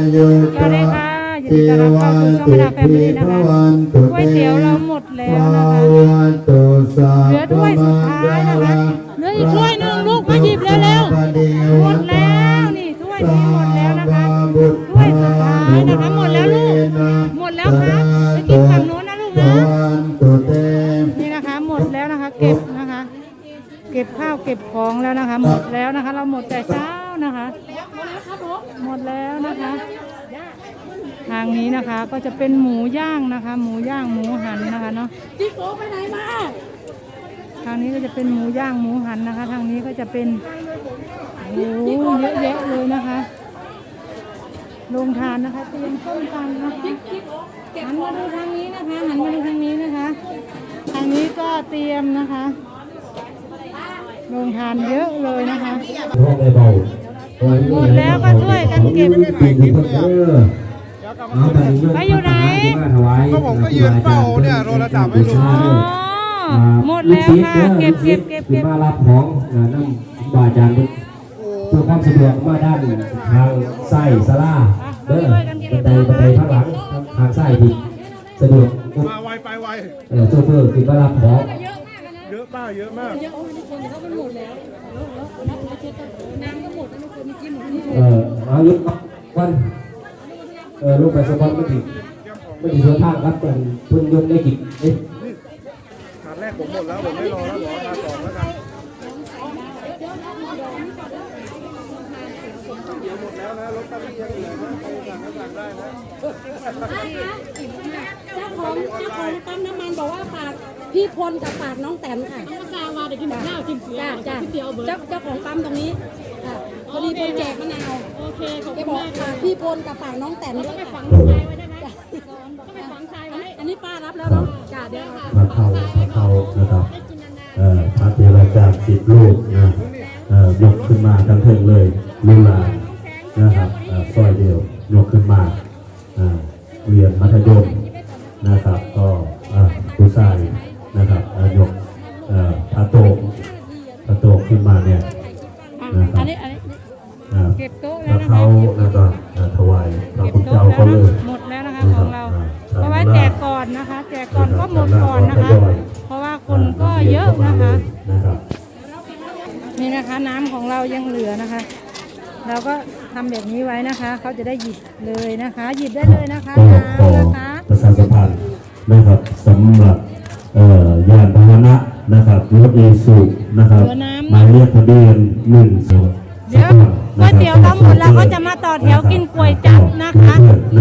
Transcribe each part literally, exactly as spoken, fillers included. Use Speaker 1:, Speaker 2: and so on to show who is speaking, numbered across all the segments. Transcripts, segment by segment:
Speaker 1: สวัสดีค่ะยินดีต้อนรับเข้าสู่ช่องแฟมิลี่นะคะก๋วยเตี๋ยวเราหมดแล้วนะคะเหลือถ้วยสุดท้ายนะคะเหลืออีกถ้วยหนึ่งลูกมาหยิบแล้วแล้วหมดแล้วนี่ถ้วยนี้หมดแล้วนะคะถ้วยสุดท้ายนะคะหมดแล้วลูกหมดแล้วครับไปกินฝั่งโน้นนะลูกนะนี่นะคะหมดแล้วนะคะเก็บนะคะเก็บข้าวเก็บของแล้วนะคะหมดแล้วนะคะเราหมดแต่เช้านะคะหมดแล้วนะคะทางนี้นะคะก็จะเป็นหมูย่างนะคะหมูย่างหมูหันนะคะเนาะจิ๊กโก้ไปไหนมาทางนี้ก็จะเป็นหมูย่างหมูหันนะคะทางนี้ก็จะเป็นโอ้เยอะแยะเลยนะคะโรงทานนะคะเตรียมส้มตำนะคะหันมาดูทางนี้นะคะหันมาดูทางนี้นะคะทางนี้ก็เตรียมนะคะโรงทานเยอะเลยนะคะหมดแล้วก็ช่วยกันเก็บไปอยู่ไหน
Speaker 2: ก็ผมก็ยืนเฝ้าเนี่ยโทรศัพท์ไม่รู้
Speaker 1: หมดแล้วค่ะเก็บเก็บเก็บเก็บ
Speaker 3: มารับของนั่งบาจานเพื่อความสะดวกมาด้านทางไส้สลาเด้อบันไดบันไดข้างหลังทางไส้ดีสะดวก
Speaker 2: มาไวไปไว
Speaker 3: เออโชเฟอร์คือมารับของ
Speaker 2: เยอะมากเยอะมาก
Speaker 3: เออเอาลุกวันเออลูกไปสปอนไม่ถึงไม่ถึงส่วนทางครับเป็นทุนยนต์ได้กี่เอ๊ะ
Speaker 2: ถาดแรกผมหมดแล้วผมไม่รอแล้วหมอมาสองแล้วกันเดี๋ยวหมดแล้วนะรถตั้งเยอะเลยนะใครสั่งก็สั่งได้นะ
Speaker 4: เจ้าของเจ้าของปั๊มน้ำมันบอกว่าฝากพี่พลกับฝากน้องแตนค่ะ
Speaker 5: น้องซาวาเด็กกินข้าวกินเสือ
Speaker 4: จ้า
Speaker 5: เตี๋ยวเบอร์
Speaker 4: เจ้าเจ้าของปั๊มตรงนี้พอดีเป็นแจกมะนาว
Speaker 5: โอเคขอบ
Speaker 4: คุ
Speaker 5: ณ
Speaker 4: มากค่ะพี่พลกับฝากน้องแตนด้วย
Speaker 5: ไปฝังทรายไว้ได้ไหมต้องไปฝังทรายไว้
Speaker 4: อันนี้ป้ารับแล้วเนาะจ้าเดี๋ยวค่ะ
Speaker 3: มาเข้ามาเข้านะครับเอ่อพระเทวดาสิบลูกนะเอ่อยกขึ้นมาทั้งเทิงเลยลูลานะครับซอยเดียวยกขึ้นมาเรียนมัธยมนะครับก็ผู้ชายนะครับยกพระโตพระโตขึ้นมาเนี่ยนะครับ
Speaker 1: เก็บโต๊ะแล้วนะคะ
Speaker 3: เขาแล้วก็ถวายพระคุณเจ้าเขาเลย
Speaker 1: หมดแล้วนะคะของเราเพราะว่าแจกก่อนนะคะแจกก่อนก็หมดก่อนนะคะเพราะว่าคนก็เยอะนะคะนี่นะคะน้ำของเรายังเหลือนะคะเราก็ทำแบบนี้ไว้นะคะเขาจะได้หยิบเลยนะคะหยิบได้เลยนะคะน้ำนะคะ
Speaker 3: ประชาสัมพันธ์นะครับสำหรับยานพาหนะนะครับรถอีซูนะครับหมายเลขทะเบียนหนึ่งสอง
Speaker 1: เดี๋ยวก๋วยเตี๋ยวเราหมดแล้วก็จะมาต่อแถวกินก๋วยจั๊บนะคะ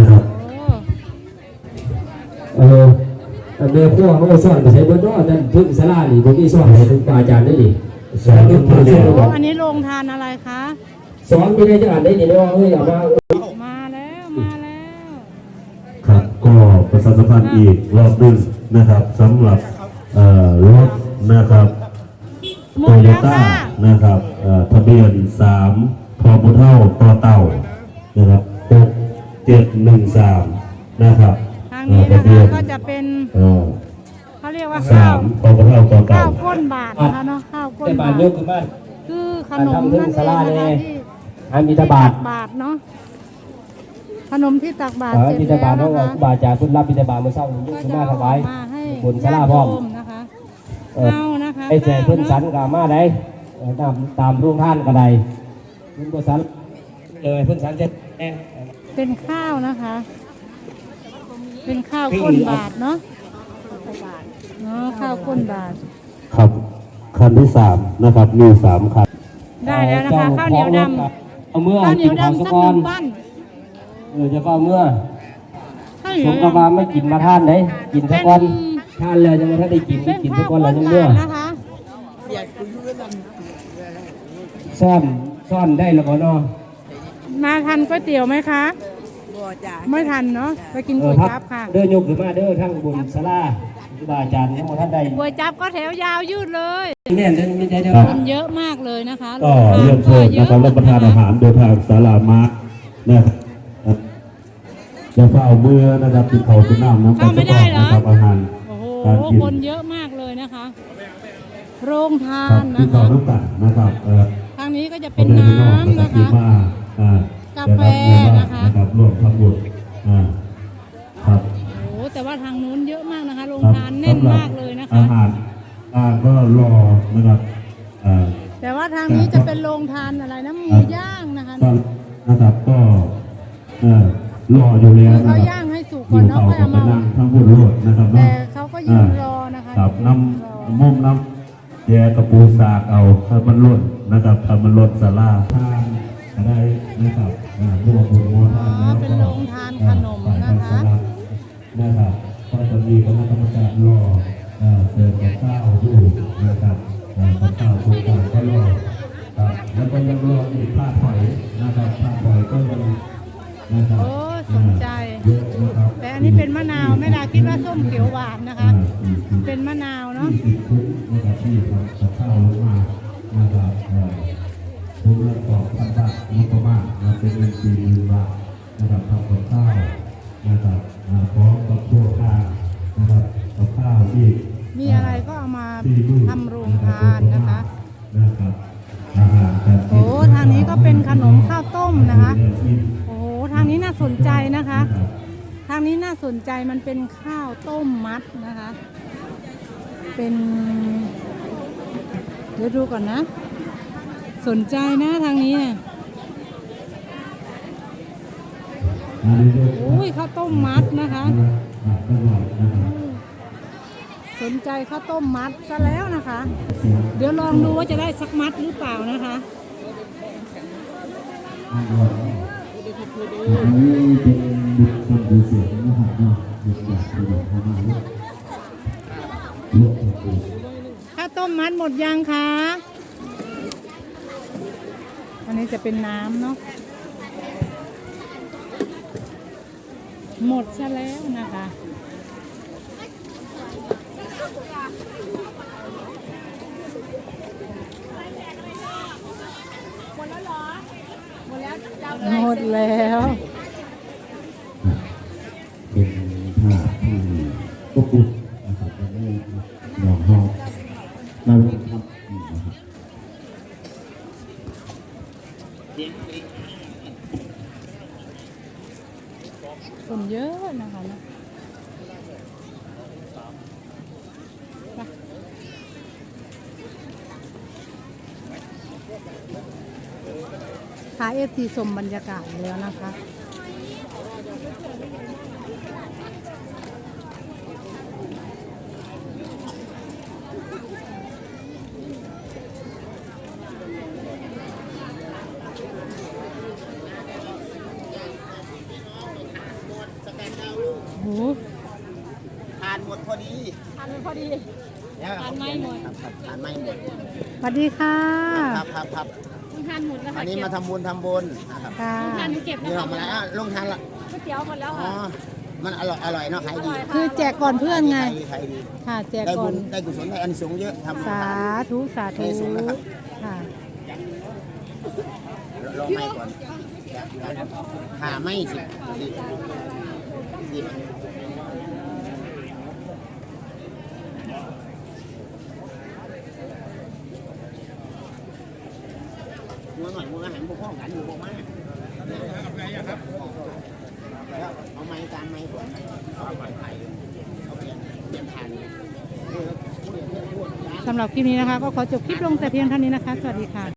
Speaker 3: เออเนื้อขั้วเขาสอนไปใช้บนนอนั่นพึ่งสลาหรือพวกที่สอนให้พึ่งปาจานได้ดิสอนพึ่งปาจาน
Speaker 1: อันนี้โรงทานอะไรคะ
Speaker 3: สอนไม่ได้จะอ่านได้ดีเลยว่าเอ้ยอย่ามา
Speaker 1: มาแล้วมาแล้ว
Speaker 3: ครับก็ประชาสัมพันธ์อีกรอบนึงนะครับสำหรับรถนะครับโตโยต้านะครับทะเบียนสามพอบุเท่าต่อเต่านะครับหกเจ็ดหนึ่งสามนะครับ
Speaker 1: ทางนี้นะคะก็จะเป็นเขาเรียกว่าข้าว
Speaker 3: พอบุเท่าต่อเต่า
Speaker 1: ข้าวก้นบาทนะคะเนาะข้าวก้นบาทคือขนมนั่นเองนะคะที่
Speaker 3: อันมีตบาท
Speaker 1: บาทเนาะขนมที่ตักบาท
Speaker 3: เสร็จแล้วนะคะบาทจากคุณรับบิณฑบาตมาเศร้าหนึ่งยุคมาถวายบนสลาพร้อม
Speaker 1: นะคะเอานะคะ
Speaker 3: ไอ้แจกเพื่อนสันกามาได้ตามตามรุ่งท่านกระไดรุ่งสันเลยเพื่อนสันเจ็ด
Speaker 1: เป็นข้าวนะคะเป็นข้าวก้นบาทเนาะเนาะข้าวก้นบาท
Speaker 3: ครับคันที่สามนะครับมีสามคัน
Speaker 1: ได้แล้วนะคะข้าวเหนียวดำ
Speaker 3: เอาเมื่อ
Speaker 1: ข้าวเหนียวดำสักหนึ่งปั้น
Speaker 3: เออจะก็เมื่อสมกับว่าไม่กินมาท่านไหนกินสักวันท่านเลยยังไม่ท่านได้กินไม่กินสักวันเลยยังเมื่อซ่อนซ่อนได้แล้วก็เนาะ
Speaker 1: มาทันก๋วยเตี๋ยวไหมคะไม่ทันเนาะไปกินก๋วยจั๊บค่ะ
Speaker 3: เดินยกหรือมาเดินทั้งบุญสลาบาจานทั้งหมดท่านใด
Speaker 1: ก๋วยจั๊บก็แถวยาวยืดเลย
Speaker 3: เนี่ยไม่ได้
Speaker 1: คนเยอะมากเลยนะคะ
Speaker 3: ก็เรียนเชิญนะครับรับประทานอาหารโดยทางศาลามานะครับจะเฝ้าเมื่อนะครับติดเขาติดน้ำน้ำกัน
Speaker 1: ไม่ได้เหรอ
Speaker 3: อาหาร
Speaker 1: โอ้โหคนเยอะมากเลยนะคะโรงทาน
Speaker 3: นะคะ
Speaker 1: นะครับ
Speaker 3: ทางนี้
Speaker 1: ก็จะเป็นน้ำนะคะกับแฟ
Speaker 3: แต่ละหมู่บ้า
Speaker 1: นะคะ
Speaker 3: นะครับร่วมทำบุญอ่าครับ
Speaker 1: โอ้แต่ว่าทางนู้นเยอะมากนะคะโรง
Speaker 3: ครับ
Speaker 1: ทานแน่น
Speaker 3: สำหรับ
Speaker 1: มากเลยนะคะ
Speaker 3: อาหารอ่าก็รอนะครับอ่า
Speaker 1: แต่ว่าทางนี้จะเป็นโรงทานอะไรนะหมูย่างนะคะ
Speaker 3: ก็นะครับก็เอ่อรออยู่แล้ว
Speaker 1: คือ
Speaker 3: นะ
Speaker 1: เขา
Speaker 3: ครับ
Speaker 1: ย่างให้สุกก่อนเนาะ
Speaker 3: อยู่
Speaker 1: ค่อยเอา
Speaker 3: เขาก็
Speaker 1: มา
Speaker 3: นั่งทั้งบุญโลดนะครับ
Speaker 1: แต่
Speaker 3: เนาะ
Speaker 1: เขาก็ยืนรอนะคะ
Speaker 3: ครับ
Speaker 1: ยื
Speaker 3: น้
Speaker 1: รอ
Speaker 3: ำมุมน้ำแยกระปูสากเอาถ้ามันล้นนะครับถ้ามันล้นสลาทานอะไรนะครับอ่าร่วมบุญร่วมทาน
Speaker 1: อ๋อ
Speaker 3: แล้ว
Speaker 1: เป็น
Speaker 3: ก็
Speaker 1: โรงทานขนม
Speaker 3: ฝ่าย
Speaker 1: นะคะ
Speaker 3: ทางสลับนะครับก็จะมีคณะกรรมการรอเอ่อเสิร์ฟกับข้าวอยู่นะครับเอ่อกับข้าวทุกอย่างก็รอครับแล้วก็ยังรออีกผ้าถอยนะครับผ้าถอยก็ยังนะครับ
Speaker 1: โอ้สนใจ
Speaker 3: เยอะนะครับ
Speaker 1: แต่อันนี้เป็นมะนาวแม่ดาคิดว่าส้มเขียวหวานนะคะ เป็นมะนาวเนาะ
Speaker 3: ยี่สิบชุดนะครับที่ทำกับข้าวลงมานะครับเอ่อทุนละสองพันบาทงบประมาณนะเป็นเงินสี่หมื่นบาทนะครับทำกับข้าวนะครับอ่าพร้อมกับพวกข้าวนะครับกับข้าวอีก
Speaker 1: มีอะไรก็เอามา
Speaker 3: สี่หมื่น
Speaker 1: ทำโรงทานนะคะ
Speaker 3: นะครับอาหารการกิน
Speaker 1: โอ้ทางนี้ก็เป็นขนมข้าวต้มนะคะ โอ้ทางนี้น่าสนใจนะคะ ทางนี้น่าสนใจมันเป็นข้าวต้มมัดนะคะ เป็นเดี๋ยวดูก่อนนะ สนใจนะทางนี้เนี่ยโอ้ยข้าวต้มมัดนะคะ สนใจข้าวต้มมัดซะแล้วนะคะ เดี๋ยวลองดูว่าจะได้สักมัดหรือเปล่านะคะ
Speaker 3: อันนี้เป็นบุคคลดูเสียงนะครับเนาะบุคคลที่แบบทำมาลูกลูกของกู
Speaker 1: ข้าวต้มมัดหมดยังคะ อันนี้จะเป็นน้ำเนาะ หมดซะแล้วนะคะ หมดแล้ว
Speaker 3: เป็นผ้าที่พวกคุณนะครับจะได้หล่อห้องเราทำนะครับ
Speaker 1: คนเยอะนะคะนะไปพาเอฟทีชมบรรยากาศแล้วนะคะ โอ้โห
Speaker 2: ทานหมดพอดี
Speaker 5: ทานมันพอดี
Speaker 2: เนี่ย
Speaker 5: ทานไม่หมด
Speaker 2: ครับครับทานไม่หมด
Speaker 1: สวัสดีค่ะ
Speaker 2: ครับครับครับ
Speaker 5: ต้องทานหมดแล้ว
Speaker 2: อั
Speaker 5: ค่ะ
Speaker 2: นนี้
Speaker 5: เก็
Speaker 2: มา
Speaker 5: บ
Speaker 2: ทำบุญทำบุญนะครับ
Speaker 1: ค่ะ
Speaker 5: ทานเก็บ
Speaker 2: นี่
Speaker 5: นะ
Speaker 2: ออ
Speaker 5: คะ
Speaker 2: กมาแล้วลงทานละ
Speaker 5: ก๋วยเตี๋ยวหมดแล้ว
Speaker 2: อ๋อ
Speaker 5: ค่ะ
Speaker 2: มันอร่อยอร่อยเนาะขายดี
Speaker 1: คือแจกก่อนเพื่อนไง
Speaker 2: ขายดีขายดี
Speaker 1: ค่ะ แจก
Speaker 2: ได้
Speaker 1: ก่
Speaker 2: บุ
Speaker 1: อน
Speaker 2: ญได้กุศลได้อันสูงส์เยอะทำ
Speaker 1: สาธุ สาธุ
Speaker 2: ได้สูงนะครับ
Speaker 1: ค่ะ
Speaker 2: ลองไม่ก่อนหาไม่สิสิสิมัวหน่อยมัวอาหารพวกพ่อกันอยู่พวกมาแล้วเอาไม้การไม้ก่อนเอาไม้ไผ่เอาเปลี่ยนเปลี่ยนทานเลย
Speaker 1: สำหรับคลิปนี้นะคะ ก็ขอจบคลิปลงแต่เพียงเท่านี้นะคะ สวัสดีค่ะ